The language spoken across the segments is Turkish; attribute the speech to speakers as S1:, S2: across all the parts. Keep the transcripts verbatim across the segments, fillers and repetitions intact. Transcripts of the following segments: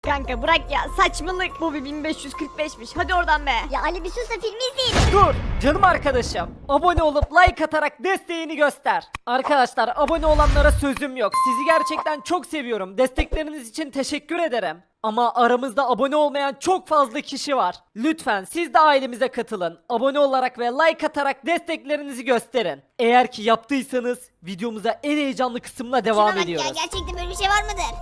S1: Kanka bırak ya, saçmalık. Bu bir bin beş yüz kırk beşmiş. Hadi oradan be.
S2: Ya Ali bir sus da filmi izleyelim.
S3: Dur canım arkadaşım. Abone olup like atarak desteğini göster. Arkadaşlar abone olanlara sözüm yok. Sizi gerçekten çok seviyorum. Destekleriniz için teşekkür ederim. Ama aramızda abone olmayan çok fazla kişi var. Lütfen siz de ailemize katılın. Abone olarak ve like atarak desteklerinizi gösterin. Eğer ki yaptıysanız videomuza en heyecanlı kısımla devam
S2: Şuna bak
S3: ediyoruz.
S2: ya, gerçekten böyle bir şey var mıdır?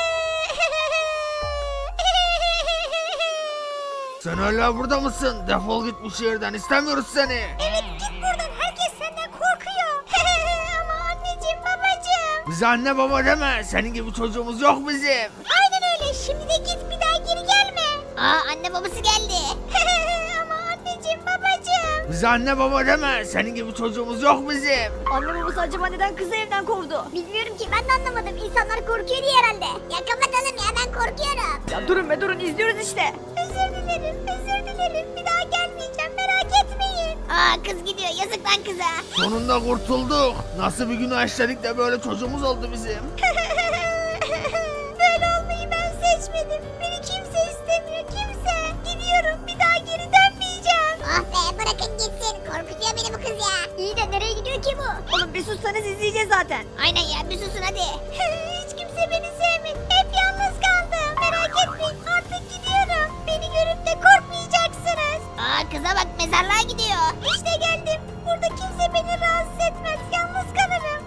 S4: Sen hala burada mısın? Defol git bu şehirden, istemiyoruz seni.
S2: Evet, git buradan, herkes senden korkuyor. Ama anneciğim, babacığım.
S4: Bize anne baba deme, senin gibi çocuğumuz yok bizim.
S2: Aynen öyle, şimdi de git, bir daha geri gelme. Aa, anne babası geldi. Ama anneciğim, babacığım.
S4: Bize anne baba deme, senin gibi çocuğumuz yok bizim.
S1: Anne babası acaba neden kızı evden kovdu?
S2: Bilmiyorum ki, ben de anlamadım. İnsanlar korkuyor diye herhalde. Ya kapatalım ya, ben korkuyorum.
S1: Ya durun be durun, izliyoruz işte.
S2: Özür dilerim, özür dilerim. Bir daha gelmeyeceğim, merak etmeyin. Aa, kız gidiyor, yazık lan kıza.
S4: Sonunda kurtulduk. Nasıl bir günah işledik de böyle çocuğumuz oldu bizim.
S2: Böyle olmayı ben seçmedim. Beni kimse istemiyor, kimse. Gidiyorum, bir daha geri dönmeyeceğim. Ah be, bırakın gitsin. Korkutuyor beni bu kız ya. İyi de nereye gidiyor ki bu?
S1: Oğlum bir sussanız izleyeceğiz zaten.
S2: Aynen ya, bir susun hadi. Hiç kimse beni sevmedi. Hep yalnız kaldım. Merak etmeyin, artık gidiyorum. Beni görüp de korkmayacaksınız. Aa, kıza bak, mezarlığa gidiyor. İşte geldim. Burada kimse beni rahatsız etmez. Yalnız kalırım.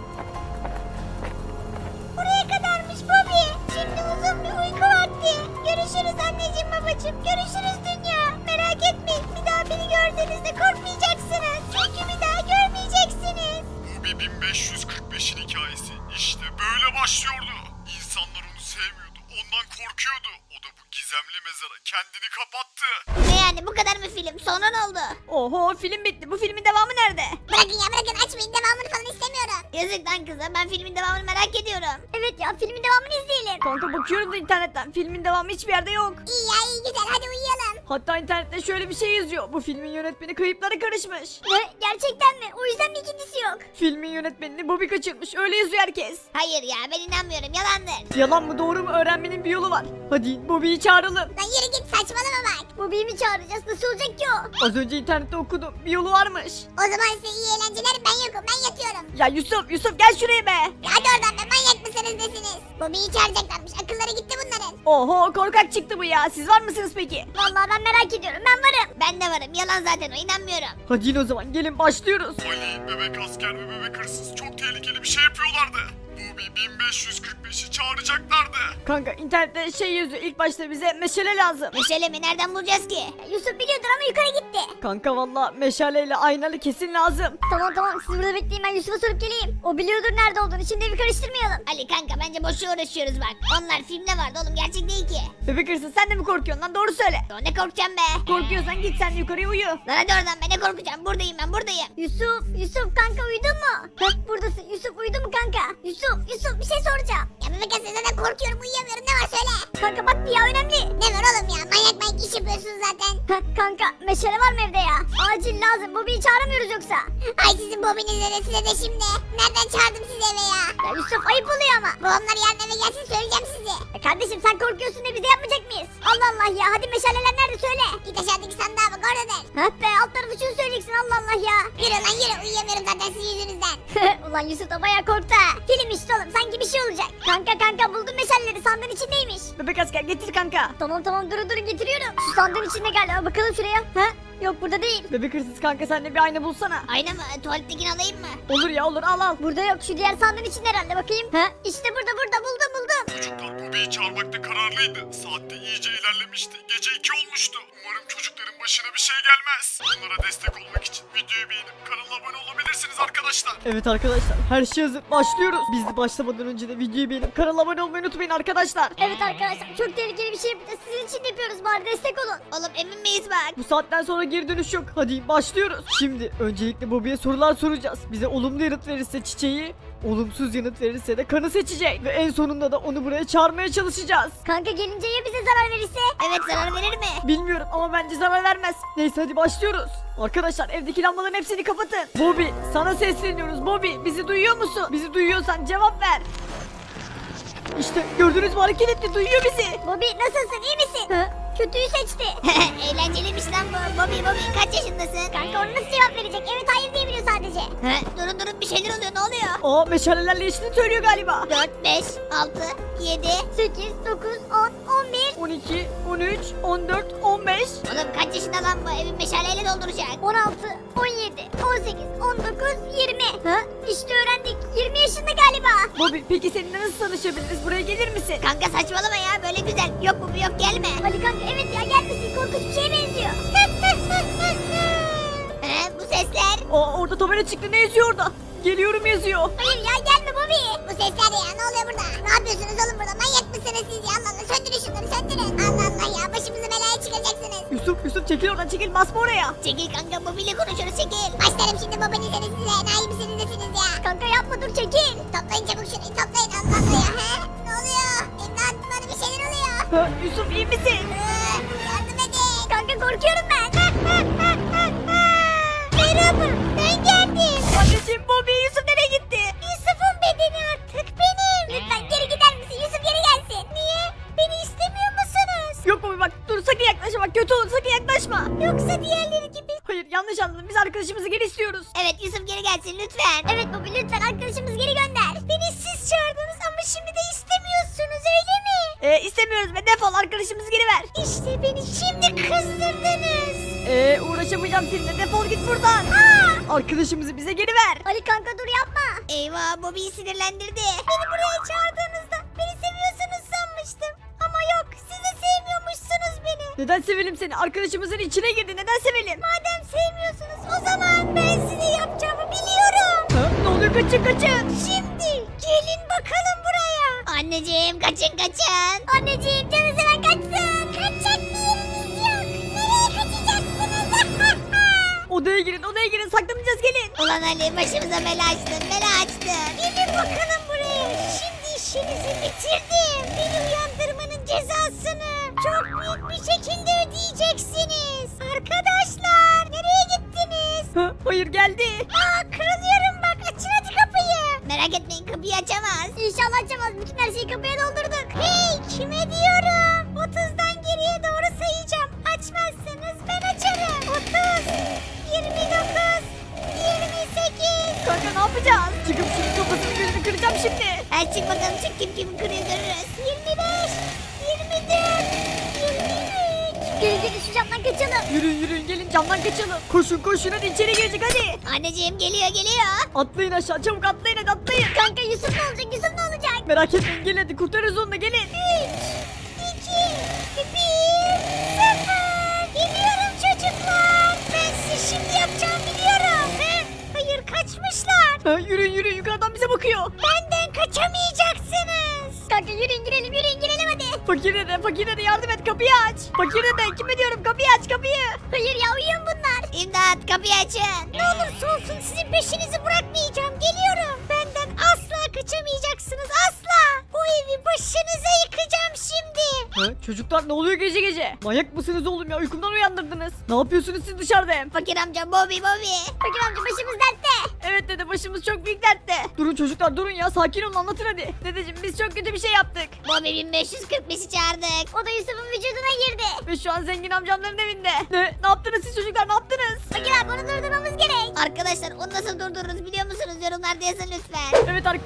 S2: Buraya kadarmış Bobby. Şimdi uzun bir uyku vakti. Görüşürüz anneciğim, babacığım. Görüşürüz dünya. Merak etmeyin, bir daha beni gördüğünüzde korkmayacaksınız. Çünkü bir daha görmeyeceksiniz.
S5: Bu bir bin beş yüz kırk beşin hikayesi. İşte böyle başlıyordu. İnsanlar onu sevmiyordu. Ondan korkuyordu. O da bu gizemli mezara kendini kapattı.
S2: Ne yani, bu kadar mı film? Sonra ne oldu?
S1: Oho, film bitti. Bu filmin devamı nerede?
S2: Bırakın ya, bırakın, açmayın, devamını falan istemiyorum. Yazık lan kıza, ben filmin devamını merak ediyorum. Evet ya, filmin devamını izleyelim.
S1: Kanka bakıyorum da internetten. Filmin devamı hiçbir yerde yok.
S2: İyi ya, iyi, güzel, hadi uyuyalım.
S1: Hatta internette şöyle bir şey yazıyor. Bu filmin yönetmeni kayıplara karışmış.
S2: Ne, gerçekten mi? O yüzden mi ikincisi yok?
S1: Filmin yönetmenini Bobby kaçırmış. Öyle yazıyor herkes.
S2: Hayır ya, ben inanmıyorum, yalandır.
S1: Yalan mı doğru mu öğrenmenin bir yolu var. Hadi Bobby'yi çağıralım.
S2: Lan yürü git, saçmalama bak. Bu mi çağıracağız, nasıl olacak ki o?
S1: Az önce internette okudum. Bir yolu varmış.
S2: O zaman size iyi eğlenceler, ben yokum, ben yatıyorum.
S1: Ya Yusuf, Yusuf gel şuraya be.
S2: Ya hadi oradan be, manyak mısınız nesiniz? Bobby'yi çağıracaklarmış, akılları gitti bunların.
S1: Oho, korkak çıktı bu ya. Siz var mısınız peki?
S2: Vallahi ben merak ediyorum, ben varım. Ben de varım, yalan zaten o, inanmıyorum.
S1: Hadi yine o zaman gelin başlıyoruz.
S5: Ali, bebek asker ve bebek hırsız çok tehlikeli bir şey yapıyorlardı. Bu bir bin beş yüz kırk beşi çağıracaklardı.
S1: Kanka internette şey yazıyor. İlk başta bize meşale lazım.
S2: Meşale mi, nereden bulacağız ki? Yusuf biliyordur ama yukarı gitti.
S1: Kanka valla meşaleyle aynalı kesin lazım.
S2: Tamam tamam, siz burada bekleyin, ben Yusuf'a sorup geleyim. O biliyordur nerede olduğunu, şimdi evi karıştırmayalım. Ali kanka, bence boşuna uğraşıyoruz bak. Onlar filmde vardı oğlum, gerçek değil ki.
S1: Bebek hırsız, sen de mi korkuyorsun lan, doğru söyle.
S2: Ya ne korkacağım be?
S1: Korkuyorsan git sen yukarıya uyu.
S2: Lan hadi oradan be, ne korkacağım, buradayım ben, buradayım. Yusuf, Yusuf kanka, uyudun mu? Heh, buradasın Yusuf, uyudun mu kanka? Yusuf, Yusuf, bir şey soracağım. Ya bebek aslında zaten korkuyorum, uyuyamıyorum, ne var söyle. Kanka bak bir ya, önemli. Ne var oğlum ya, manyak manyak iş yapıyorsunuz zaten. Heh, kanka meşale var mı evde ya? Acil lazım, Bobby'yi çağıramıyoruz yoksa. Ay sizin Bobby'nize de size de şimdi. Nereden çağırdım sizi eve ya? Ya Yusuf, ayıp oluyor ama. Babamlar yarın eve gelsin, söyleyeceğim size. Ya kardeşim sen korkuyorsun da biz de yapmayacak mıyız? Allah Allah ya, hadi meşaleler nerede söyle. Git aşağıdaki sandığa bak, oradadır. Heh be, alt tarafı şunu söyleyeceksin, Allah Allah ya. Yürü lan yürü, uyuyamıyorum zaten sizin yüzünüzden. Ulan Yusuf da bayağı korktu ha. Film işte oğlum, sanki bir şey olacak. Kanka kanka, buldum meşaleleri, sandığın içindeymiş.
S1: Bebek asker getir kanka.
S2: Tamam tamam, durun durun, getiriyorum. Şu sandığın içinde galiba, bakalım şuraya. Ha? Yok, burada değil.
S1: Bebek hırsız kanka, sen de bir ayna bulsana.
S2: Ayna mı? Tuvalettekini alayım mı?
S1: Olur ya olur, al al.
S2: Burada yok, şu diğer sandığın içinde herhalde, bakayım. Ha? İşte burada burada, buldum buldum.
S5: Çocuklar Bobby'yi çağırmakta kararlıydı. Saatte iyice ilerlemişti. Gece iki olmuştu. Umarım çocukların başına bir şey gelmez. Onlara destek olmak için videoyu beğenip kanala abone olabilirsiniz arkadaşlar.
S1: Evet arkadaşlar, her şey hazır, başlıyoruz. Biz de başlamadan önce de videoyu beğenip kanala abone olmayı unutmayın arkadaşlar.
S2: Evet arkadaşlar, çok tehlikeli bir şey yapacağız. Sizin için yapıyoruz, bari destek olun. Oğlum emin miyiz bak?
S1: Bu saatten sonra geri dönüş yok. Hadi başlıyoruz. Şimdi öncelikle Bobby'ye sorular soracağız. Bize olumlu yanıt verirse çiçeği, olumsuz yanıt verirse de kanı seçecek. Ve en sonunda da onu buraya çağırmaya çalışacağız.
S2: Kanka gelince ya bize zarar verirse? Evet, zarar verir mi?
S1: Bilmiyorum ama bence zarar vermez. Neyse hadi başlıyoruz. Arkadaşlar evdeki lambaların hepsini kapatın. Bobby sana sesleniyoruz. Bobby bizi duyuyor musun? Bizi duyuyorsan cevap ver. İşte gördünüz mü, hareket etti, duyuyor bizi.
S2: Bobby nasılsın, iyi misin? Hı? Kötüyü seçti. Eğlenceliymiş lan bu. Bobby Bobby kaç yaşındasın? Kanka onu nasıl cevap verecek? Evet hayır diyebiliyor sadece. He? Durun durun bir şeyler oluyor, ne oluyor?
S1: Aa, meşalelerle işini söylüyor galiba.
S2: dört, beş, altı, yedi, sekiz, dokuz, on, on bir.
S1: on iki, on üç, on dört, on beş.
S2: Oğlum kaç yaşında lan bu? Evin meşaleyle dolduracak. on altı, on yedi, on sekiz, on dokuz, yirmi. Ha? İşte öğrendik. yirmi yaşında galiba.
S1: Bobby, peki seninle nasıl tanışabiliriz? Buraya gelir misin?
S2: Kanka saçmalama ya, böyle güzel. Yok bu yok, gelme. Ali kanka evet ya, gelmesin, korkunç bir şeye benziyor. He, bu sesler?
S1: Aa, orada tabela çıktı, ne yazıyor orada? Geliyorum yazıyor.
S2: Hayır ya, gelme Bobby. Bu sesler ya, ne oluyor burada? Ne yapıyorsunuz oğlum burada? Manyak mısınız siz ya? Allah Allah, söndürün şunları, söndürün. Allah Allah ya, başımızı belaya çıkaracaksınız.
S1: Yusuf, Yusuf çekil oradan, çekil, basma oraya.
S2: Çekil kanka, Bobby ile konuşuyoruz, çekil. Başlarım şimdi babanızı size, enayi misiniz nesiniz ya? Kanka yapma, dur çekil. Toplayın çabuk şunu, toplayın, Allah Allah ya. He? Ne oluyor? İmdat, bana bir şeyler oluyor.
S1: Ha, Yusuf iyi misin?
S2: Ee, Yardım edin. Kanka korkuyorum ben. Merhaba, ben geldim.
S1: Anneciğim, Bobby, Yusuf nereye gitti?
S2: Yusuf'un bedeni artık benim. Lütfen geri gider misin? Yusuf geri gelsin. Niye? Beni istemiyor musunuz?
S1: Yok Bobby, bak dur, sakın yaklaşma, bak kötü olur, sakın yaklaşma.
S2: Yoksa diğerleri gibi.
S1: Hayır, yanlış anladın, biz arkadaşımızı geri istiyoruz.
S2: Evet Yusuf geri gelsin lütfen. Evet Bobby, lütfen arkadaşımızı geri gönder. Beni siz çağırdınız ama şimdi de istemiyorsunuz, öyle mi?
S1: Ee, istemiyoruz ve defol, arkadaşımızı geri ver.
S2: İşte beni şimdi kızdırdınız.
S1: Ee, uğraşamayacağım seninle, defol git buradan.
S2: Aa!
S1: Arkadaşımızı bize geri ver.
S2: Ali kanka dur yapma. Eyvah, Bobby'yi sinirlendirdi. Beni buraya çağırdığınızda beni seviyorsunuz sanmıştım. Ama yok, siz de sevmiyormuşsunuz beni.
S1: Neden sevelim seni? Arkadaşımızın içine girdi, neden sevelim?
S2: Madem sevmiyorsunuz o zaman ben size yapacağımı biliyorum.
S1: Ha, ne oluyor, kaçın kaçın.
S2: Şimdi gelin bakalım buraya. Anneciğim kaçın kaçın. Anneciğim canı seven kaçsın. Kaçacak bir yeriniz yok. Nereye kaçacaksınız?
S1: Odaya girin, odaya girin, saklanacağız, gelin.
S2: Ulan Ali başımıza bela açtın, bela açtın. Gelin bakalım buraya. Şimdi işinizi bitirdim. Beni uyandırmanın cezasını çok büyük bir şekilde ödeyeceksiniz. Arkadaşlar nereye gittiniz?
S1: Ha, hayır, geldi.
S2: Aa kırılıyorum bak, açın hadi kapıyı. Merak etmeyin, kapıyı açamaz. İnşallah açamaz, bütün her şeyi kapıya doldurduk. Hey kime diyorum? otuzdan geriye doğru sayacağım. Açmazsanız ben açarım. otuz, yirmi dokuz, yirmi sekiz.
S1: Kanka ne yapacağız? Çıkıp şunun kafasını gözünü kıracağım şimdi.
S2: Hadi çık bakalım, çık, kim kim kırıyor görürüz. yirmi beş, yirmi dört, yirmi üç. Gelin gelin şu camdan kaçalım.
S1: Yürüyün yürüyün, gelin camdan kaçalım. Koşun koşun, hadi içeri girecek, hadi.
S2: Anneciğim geliyor geliyor.
S1: Atlayın aşağı, çabuk atlayın, hadi atlayın.
S2: Kanka Yusuf ne olacak, Yusuf ne olacak?
S1: Merak etmeyin, gelin hadi, kurtarırız onu da, gelin.
S2: üç, iki, bir, sıfır. Geliyorum çocuklar. Ben size şimdi yapacağımı biliyorum. He? Hayır kaçmışlar.
S1: Ha, yürüyün yürüyün, yukarıdan bize bakıyor.
S2: Benden kaçamayacaksınız. Kanka yürüyün girelim, yürüyün girelim hadi.
S1: Fakir dede, fakir dede yardım et, kapıyı aç. Fakir dede, kime diyorum, kapıyı aç, kapıyı.
S2: Hayır ya, uyuyun bunlar. İmdat kapıyı açın. Ne olursa olsun sizin peşinizi bırakmayacağım. Geliyorum. Benden asla kaçamayacaksınız, asla. Bu evi başınıza yıkacağım şimdi.
S1: Ha, çocuklar ne oluyor gece gece? Manyak mısınız oğlum ya, uykumdan uyandırdınız. Ne yapıyorsunuz siz dışarıda hem?
S2: Fakir amca, Bobby Bobby. Fakir amca başımız dertte.
S1: Evet dede, başımız çok büyük dertte. Durun çocuklar, durun ya, sakin olun, anlatın hadi. Dedeciğim, biz çok kötü bir şey yaptık.
S2: Bobby bin beş yüz kırk beşi çağırdık. O da Yusuf'un vücuduna girdi.
S1: Ve şu an zengin amcamların evinde. Ne? Ne yaptınız siz çocuklar, ne yaptınız?
S2: Fakir abi onu durdurmamız gerek. Arkadaşlar onu nasıl durdururuz biliyor musunuz? Yorumlarda yazın lütfen.
S1: Evet ar-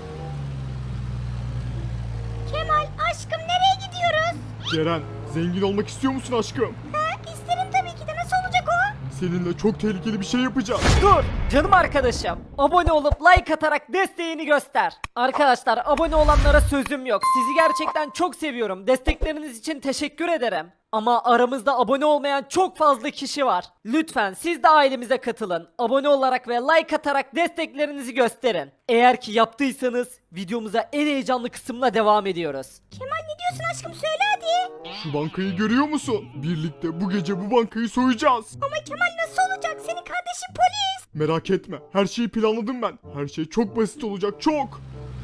S2: Kemal aşkım nereye gidiyoruz?
S5: Ceren, zengin olmak istiyor musun aşkım?
S2: Ha, isterim tabii ki de, nasıl olacak o?
S5: Seninle çok tehlikeli bir şey yapacağım.
S3: Dur canım arkadaşım. Abone olup like atarak desteğini göster. Arkadaşlar abone olanlara sözüm yok. Sizi gerçekten çok seviyorum. Destekleriniz için teşekkür ederim. Ama aramızda abone olmayan çok fazla kişi var. Lütfen siz de ailemize katılın. Abone olarak ve like atarak desteklerinizi gösterin. Eğer ki yaptıysanız videomuza en heyecanlı kısımla devam ediyoruz.
S2: Kemal ne diyorsun aşkım, söyle hadi.
S5: Şu bankayı görüyor musun? Birlikte bu gece bu bankayı soyacağız.
S2: Ama Kemal nasıl olacak, senin kardeşin polis.
S5: Merak etme, her şeyi planladım ben. Her şey çok basit olacak, çok.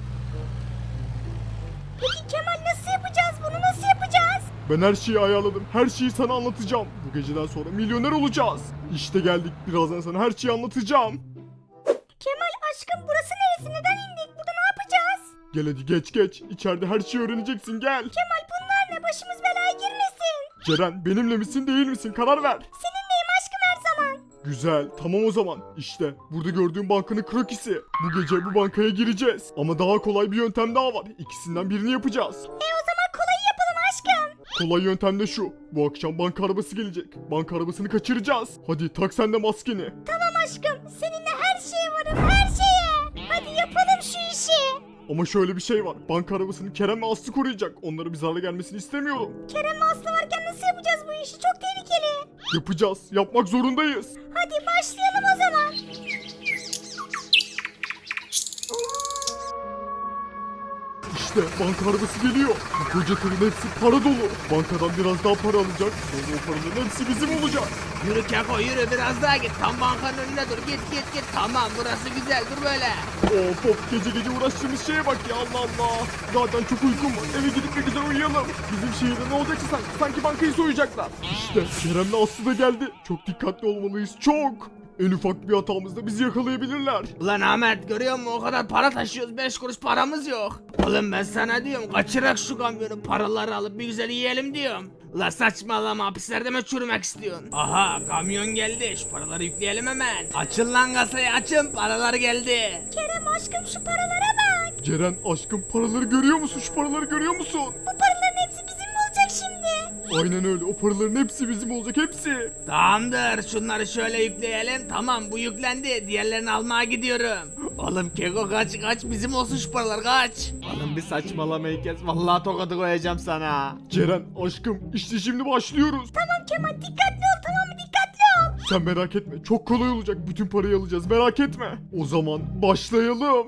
S2: Peki Kemal nasıl yapacağız bunu, nasıl yapacağız?
S5: Ben her şeyi ayarladım. Her şeyi sana anlatacağım. Bu geceden sonra milyoner olacağız. İşte geldik. Birazdan sana her şeyi anlatacağım.
S2: Kemal aşkım burası neresi, neden indik, burada ne yapacağız?
S5: Gel hadi geç geç. İçeride her şeyi öğreneceksin gel.
S2: Kemal bunlar ne? Başımız belaya girmesin.
S5: Ceren benimle misin değil misin karar ver.
S2: Seninleyim aşkım her zaman.
S5: Güzel tamam o zaman. İşte burada gördüğün bankanın krokisi. Bu gece bu bankaya gireceğiz. Ama daha kolay bir yöntem daha var. İkisinden birini yapacağız.
S2: E o zaman kolayı yapalım aşkım.
S5: Kolay yöntem de şu. Bu akşam banka arabası gelecek. Banka arabasını kaçıracağız. Hadi tak sen de maskeni.
S2: Tamam aşkım. Seninle her şeye varım her şeye. Hadi yapalım şu işi.
S5: Ama şöyle bir şey var. Banka arabasını Kerem ve Aslı koruyacak. Onlara bir zarar gelmesini istemiyorum.
S2: Kerem ve Aslı varken nasıl yapacağız bu işi? Çok tehlikeli.
S5: Yapacağız. Yapmak zorundayız.
S2: Hadi başlayalım o zaman.
S5: İşte banka arabası geliyor. Bu koca tırın hepsi para dolu. Bankadan biraz daha para alacak. Sonra o paraların hepsi bizim olacak.
S4: Yürü Keko yürü biraz daha git. Tam bankanın önüne dur. Git git git. Tamam burası güzel dur böyle.
S5: Of of gece gece uğraştığımız şeye bak ya Allah Allah. Zaten çok uykum var. Eve gidip bir güzel uyuyalım. Bizim şehirde ne olacaksa sanki, sanki bankayı soyacaklar. İşte Kerem'le Aslı da geldi. Çok dikkatli olmalıyız çok. En ufak bir hatamızda bizi yakalayabilirler.
S4: Ulan Ahmet görüyor musun o kadar para taşıyoruz beş kuruş paramız yok. Oğlum ben sana diyorum kaçırak şu kamyonu paraları alıp bir güzel yiyelim diyorum. Ulan saçmalama hapislerde mi çürümek istiyorsun? Aha kamyon geldi şu paraları yükleyelim hemen. Açın lan kasayı açın paralar geldi.
S2: Kerem aşkım şu paralara bak.
S5: Ceren aşkım paraları görüyor musun? Şu paraları görüyor musun?
S2: Bu paraların hepsi bizim mi olacak şimdi?
S5: Aynen öyle. O paraların hepsi bizim olacak hepsi.
S4: Tamamdır şunları şöyle yükleyelim tamam bu yüklendi diğerlerini almaya gidiyorum. Oğlum Keko kaç kaç bizim olsun şu paralar kaç.
S6: Oğlum bir saçmalamayı kes. Vallahi tokadı koyacağım sana.
S5: Ceren aşkım işte şimdi başlıyoruz.
S2: Tamam Kemal dikkatli ol tamam mı dikkatli ol.
S5: Sen merak etme. Çok kolay olacak. Bütün parayı alacağız. Merak etme. O zaman başlayalım.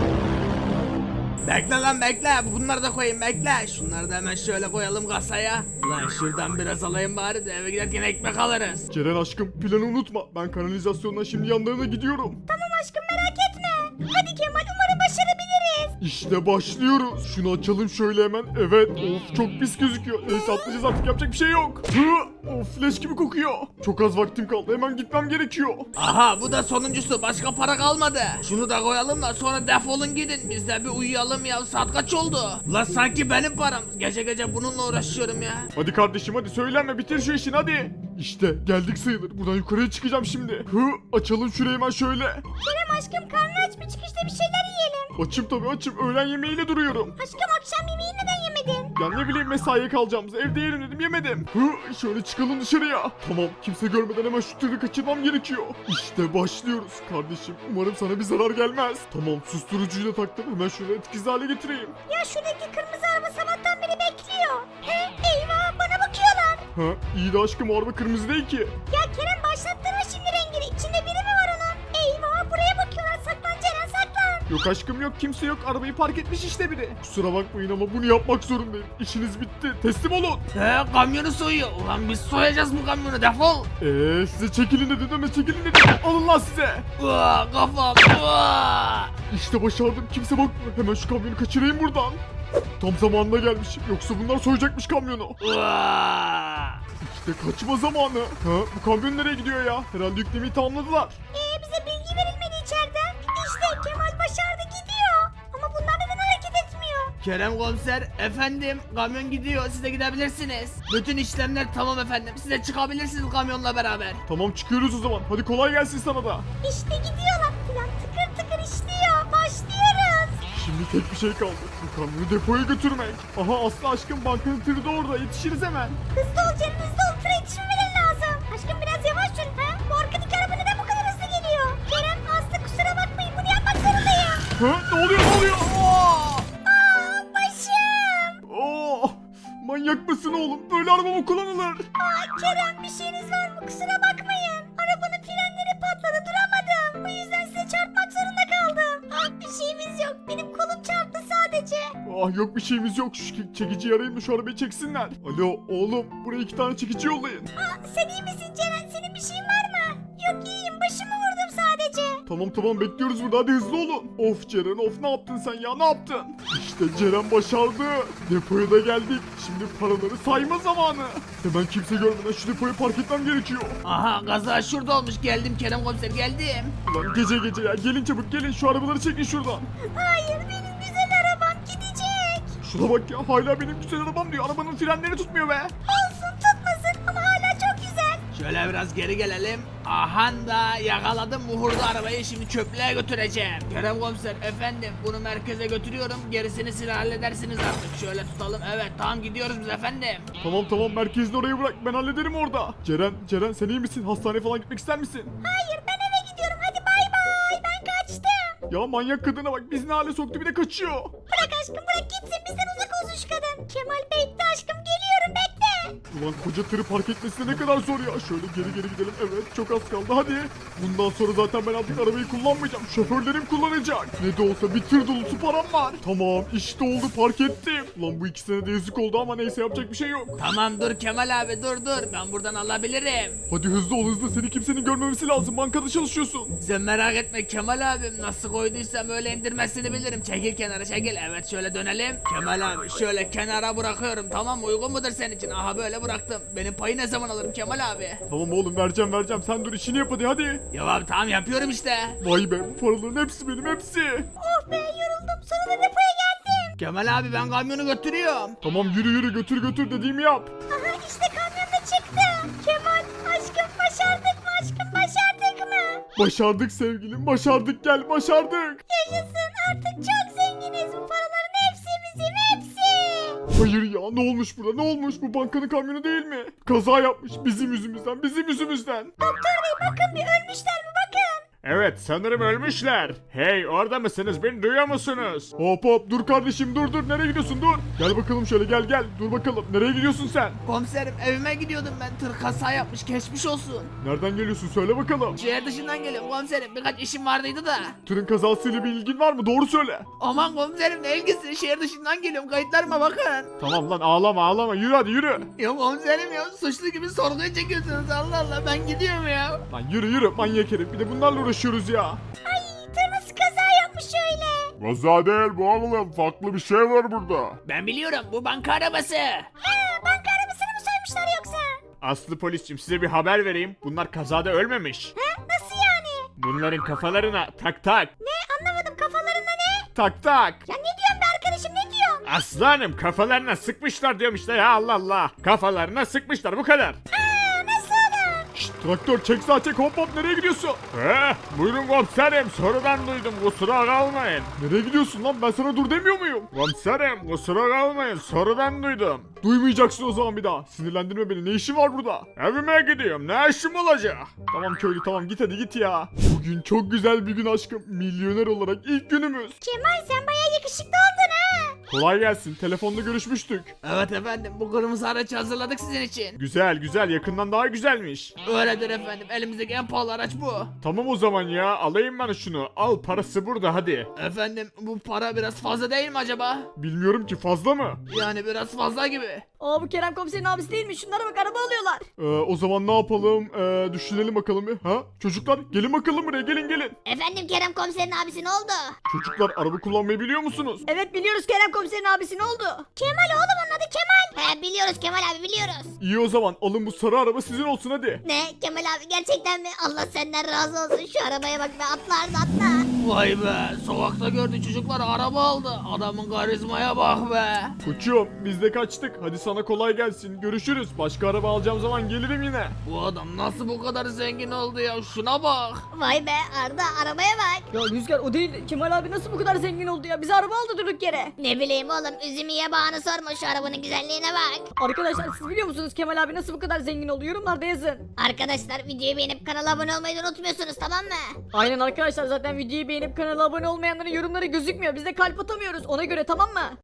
S4: Bekle lan bekle bunları da koyayım bekle. Şunları da hemen şöyle koyalım kasaya. Lan şuradan biraz alayım bari de eve giderken ekmek alırız.
S5: Ceren aşkım planı unutma. Ben kanalizasyondan şimdi yanlarına gidiyorum.
S2: Tamam aşkım merak etme. Hadi Kemal umarım başarabiliriz.
S5: İşte başlıyoruz. Şunu açalım şöyle hemen. Evet. Of çok pis gözüküyor. Neyse atlayacağız artık yapacak bir şey yok. Hı, of leş gibi kokuyor. Çok az vaktim kaldı. Hemen gitmem gerekiyor.
S4: Aha bu da sonuncusu başka para kalmadı. Şunu da koyalım da sonra defolun gidin. Biz de bir uyuyalım ya saat kaç oldu? Lan sanki benim param. Gece gece bununla uğraşıyorum ya.
S5: Hadi kardeşim hadi söylenme bitir şu işini hadi. İşte geldik sayılır. Buradan yukarıya çıkacağım şimdi. Hı, açalım şurayı hemen şöyle.
S2: Kerem aşkım karnı aç mı çıkışta bir şeyler yiyelim.
S5: Açım tabii açım. Öğlen yemeğiyle duruyorum.
S2: Aşkım akşam yemeği neden yemedin?
S5: Ya ne bileyim mesaiye kalacağımız evde yerim dedim yemedim. Hı, şöyle çıkalım dışarıya. Tamam kimse görmeden hemen şu tırı kaçırmam gerekiyor. İşte başlıyoruz kardeşim. Umarım sana bir zarar gelmez. Tamam susturucuyu da taktım. Hemen şunu etkisiz hale getireyim.
S2: Ya şuradaki kırmızı araba sabahtan beri bekliyor. He eyvah bana bakıyorlar.
S5: Ha iyi de aşkım o araba kırmızı değil ki.
S2: Ya Kerem başlattırma şimdi rengini. İçinde biri mi var onun? Eyvah buraya bakıyorlar. Saklan Ceren saklan.
S5: Yok aşkım yok kimse yok. Arabayı park etmiş işte biri. Kusura bakmayın ama bunu yapmak zorundayım. İşiniz bitti. Teslim olun.
S4: He kamyonu soyuyor. Ulan biz soyacağız bu kamyonu defol.
S5: Eee size çekilin dedim deme çekilin dedim. Alın lan size.
S4: Uaa kafam. Uaa.
S5: İşte başardım kimse bakmıyor. Hemen şu kamyonu kaçırayım buradan. Tam zamanında gelmişim. Yoksa bunlar soyacakmış kamyonu.
S4: Uaa.
S5: İşte kaçma zamanı. Ha bu kamyon nereye gidiyor ya? Herhalde yüklemeyi tamamladılar.
S2: Ee bize bilgi verilmedi içeriden. İşte Kemal başardı gidiyor. Ama bunlar neden hareket etmiyor?
S4: Kerem komiser efendim kamyon gidiyor siz de gidebilirsiniz. Bütün işlemler tamam efendim siz de çıkabilirsiniz kamyonla beraber.
S5: Tamam çıkıyoruz o zaman. Hadi kolay gelsin sana da.
S2: İşte gidiyorlar. Plan tıkır tıkır işliyor. Başlıyoruz.
S5: Şimdi tek bir şey kaldı. Bu kamyonu depoya götürmek. Aha Aslı aşkım bankanın tırı da orada. Yetişiriz hemen.
S2: Hızlı ol Ceren hızlı ol. Tıra yetişmemeleri lazım. Aşkım biraz yavaş sür. Ha? Bu arkadaki araba neden bu kadar hızlı geliyor? Kerem Aslı kusura bakmayın bunu yapmak zorundayım.
S5: Ha ne oluyor ne oluyor? Aa!
S2: Aa başım.
S5: Oh! Manyak mısın oğlum? Böyle araba mı kullanılır?
S2: Aa Kerem bir şeyiniz var mı? Kusura bakmayın. Arabanın frenleri patladı duramadım. Bu yüzden size çarpmak zorunda kaldım. Ah bir şeyimiz yok. Benim kolum çarptı sadece.
S5: Ah yok bir şeyimiz yok. Şu çe- çekiciyi arayayım da şu arabayı çeksinler. Alo oğlum buraya iki tane çekici yollayın.
S2: Aa sen iyi misin Ceren? Senin bir şeyin var mı? Yok iyiyim. Başımı vurdum sadece.
S5: Tamam tamam bekliyoruz burada hadi hızlı olun. Of Ceren of ne yaptın sen ya ne yaptın? İşte Ceren başardı. Depoya da geldik. Şimdi paraları sayma zamanı. Hemen kimse görmeden şu depoyu park etmem gerekiyor.
S4: Aha kaza şurada olmuş geldim Kerem komiser geldim.
S5: Ulan gece gece ya gelin çabuk gelin şu arabaları çekin şuradan.
S2: Hayır benim güzel arabam
S5: Şuna bak ya hala benim güzel arabam diyor. Arabanın frenleri tutmuyor be.
S2: Olsun tutmasın ama hala çok güzel.
S4: Şöyle biraz geri gelelim. Aha da yakaladım muhurlu arabayı, şimdi çöplüğe götüreceğim. Kerem komiser efendim, bunu merkeze götürüyorum. Gerisini siz halledersiniz artık. Şöyle tutalım, evet tamam gidiyoruz biz efendim.
S5: Tamam tamam merkezini oraya bırak ben hallederim orada. Ceren Ceren sen iyi misin? Hastaneye falan gitmek ister misin?
S2: Hayır ben eve gidiyorum hadi bay bay ben kaçtım.
S5: Ya manyak kadına bak bizi ne hale soktu bir de kaçıyor.
S2: Bırak aşkım bırak gitsin bizden uzak olsun şu kadın. Kemal bekle aşkım geliyorum bekle.
S5: Ulan koca tırı park etmesi de ne kadar zor ya. Şöyle geri geri gidelim. Evet çok az kaldı hadi. Bundan sonra zaten ben artık arabayı kullanmayacağım. Şoförlerim kullanacak. Ne de olsa bir tır dolusu param var. Tamam işte oldu park ettim. Ulan bu ikisine de yazık oldu ama neyse yapacak bir şey yok.
S4: Tamam dur Kemal abi dur dur, ben buradan alabilirim.
S5: Hadi hızlı ol hızlı seni kimsenin görmemesi lazım. Bankada çalışıyorsun.
S4: Sen merak etme Kemal abim, nasıl koyduysam öyle indirmesini bilirim. Çekil kenara çekil, evet şöyle dönelim. Kemal abi şöyle kenara bırakıyorum, tamam mı? Uygun mudur senin için? Aha böyle bıraktım. Benim payı ne zaman alırım Kemal abi?
S5: Tamam oğlum vereceğim vereceğim. Sen dur işini yap hadi hadi.
S4: Ya abi tamam yapıyorum işte.
S5: Vay be bu paraların hepsi benim hepsi.
S2: Oh be yoruldum sonunda depoya geldim.
S4: Kemal abi ben kamyonu götürüyorum.
S5: Tamam yürü yürü götür götür dediğimi yap.
S2: Aha işte kamyon da çıktı. Kemal aşkım başardık mı aşkım başardık mı?
S5: Başardık sevgilim başardık gel başardık.
S2: Yaşasın artık çok zenginiz bu paraların hepsi bizim hepsi.
S5: Hayır ya ne olmuş burada ne olmuş bu bankanın kamyonu değil mi? Kaza yapmış bizim yüzümüzden bizim yüzümüzden.
S2: Doktor bey bakın bir ölmüşler mi bakın.
S5: Evet sanırım ölmüşler. Hey orada mısınız beni duyuyor musunuz? Hop hop dur kardeşim dur dur nereye gidiyorsun dur. Gel bakalım şöyle gel gel dur bakalım nereye gidiyorsun sen?
S4: Komiserim evime gidiyordum ben, tır kaza yapmış, geçmiş olsun.
S5: Nereden geliyorsun söyle bakalım.
S4: Şehir dışından geliyorum komiserim, birkaç işim vardıydı da.
S5: Tırın kazasıyla bir ilgin var mı doğru söyle.
S4: Aman komiserim ne ilgisi, şehir dışından geliyorum, kayıtlarıma bakın.
S5: Tamam lan ağlama ağlama yürü hadi yürü.
S4: Ya komiserim ya, suçlu gibi sorguya çekiyorsunuz, Allah Allah ben gidiyorum ya.
S5: Lan yürü yürü manyak herif bir de bunlarla uğraşıyoruz ya.
S2: Ay tır nasıl kaza yapmış öyle.
S5: Kaza değil bu oğlum farklı bir şey var burada.
S4: Ben biliyorum, bu banka arabası.
S2: Ha banka arabasını mı soymuşlar yoksa?
S5: Aslı polisçim size bir haber vereyim. Bunlar kazada ölmemiş.
S2: Ha nasıl yani?
S5: Bunların kafalarına tak tak.
S2: Ne anlamadım kafalarında ne?
S5: Tak tak.
S2: Ya ne diyorsun be arkadaşım ne diyorsun?
S5: Aslanım kafalarına sıkmışlar diyorum işte ya Allah Allah. Kafalarına sıkmışlar bu kadar.
S2: Aa nasıl olur?
S5: Şşt traktör çek sağa çek hop hop nereye gidiyorsun? He buyurun komiserim sorudan duydum kusura kalmayın. Nereye gidiyorsun lan ben sana dur demiyor muyum? Komiserim kusura kalmayın sorudan duydum. Duymayacaksın o zaman bir daha. Sinirlendirme beni ne işin var burada? Evime gidiyorum ne işim olacak? Tamam köylü tamam git hadi git ya. Bugün çok güzel bir gün aşkım. Milyoner olarak ilk günümüz.
S2: Kemal sen bayağı yakışıklı oldun ha.
S5: Kolay gelsin telefonda görüşmüştük.
S4: Evet efendim, bu kırmızı aracı hazırladık sizin için.
S5: Güzel güzel yakından daha güzelmiş.
S4: Öyledir efendim, elimizdeki en pahalı araç bu.
S5: Tamam o zaman ya alayım ben şunu. Al parası burada hadi.
S4: Efendim bu para biraz fazla değil mi acaba?
S5: Bilmiyorum ki fazla mı?
S4: Yani biraz fazla gibi.
S1: Aa bu Kerem komiserin abisi değil mi? Şunlara bak araba alıyorlar.
S5: Ee, o zaman ne yapalım? Ee, düşünelim bakalım bir. Ha? Çocuklar gelin bakalım buraya gelin gelin.
S2: Efendim Kerem komiserin abisi ne oldu?
S5: Çocuklar araba kullanmayı biliyor musunuz?
S1: Evet biliyoruz Kerem komiserin abisi ne oldu?
S2: Kemal oğlum onun adı Kemal. He biliyoruz Kemal abi biliyoruz.
S5: İyi o zaman alın bu sarı araba sizin olsun hadi.
S2: Ne Kemal abi gerçekten mi? Allah senden razı olsun şu arabaya bak be atlar da atla.
S4: Vay be, sokakta gördü çocuklar araba aldı. Adamın karizmaya bak be.
S5: Koçum biz de kaçtık. Hadi sana kolay gelsin. Görüşürüz. Başka araba alacağım zaman gelirim yine.
S4: Bu adam nasıl bu kadar zengin oldu ya, şuna bak.
S2: Vay be Arda arabaya bak.
S1: Ya Rüzgar o değil. Kemal abi nasıl bu kadar zengin oldu ya? Bize araba aldı durduk yere.
S2: Ne bileyim oğlum üzümü yabağını sorma şu arabanın güzelliğine bak.
S1: Arkadaşlar siz biliyor musunuz Kemal abi nasıl bu kadar zengin oldu? Yorumlarda yazın.
S2: Arkadaşlar videoyu beğenip kanala abone olmayı da unutmuyorsunuz tamam mı?
S1: Aynen arkadaşlar zaten videoyu beğenip kanala abone olmayanların yorumları gözükmüyor. Biz de kalp atamıyoruz ona göre tamam mı?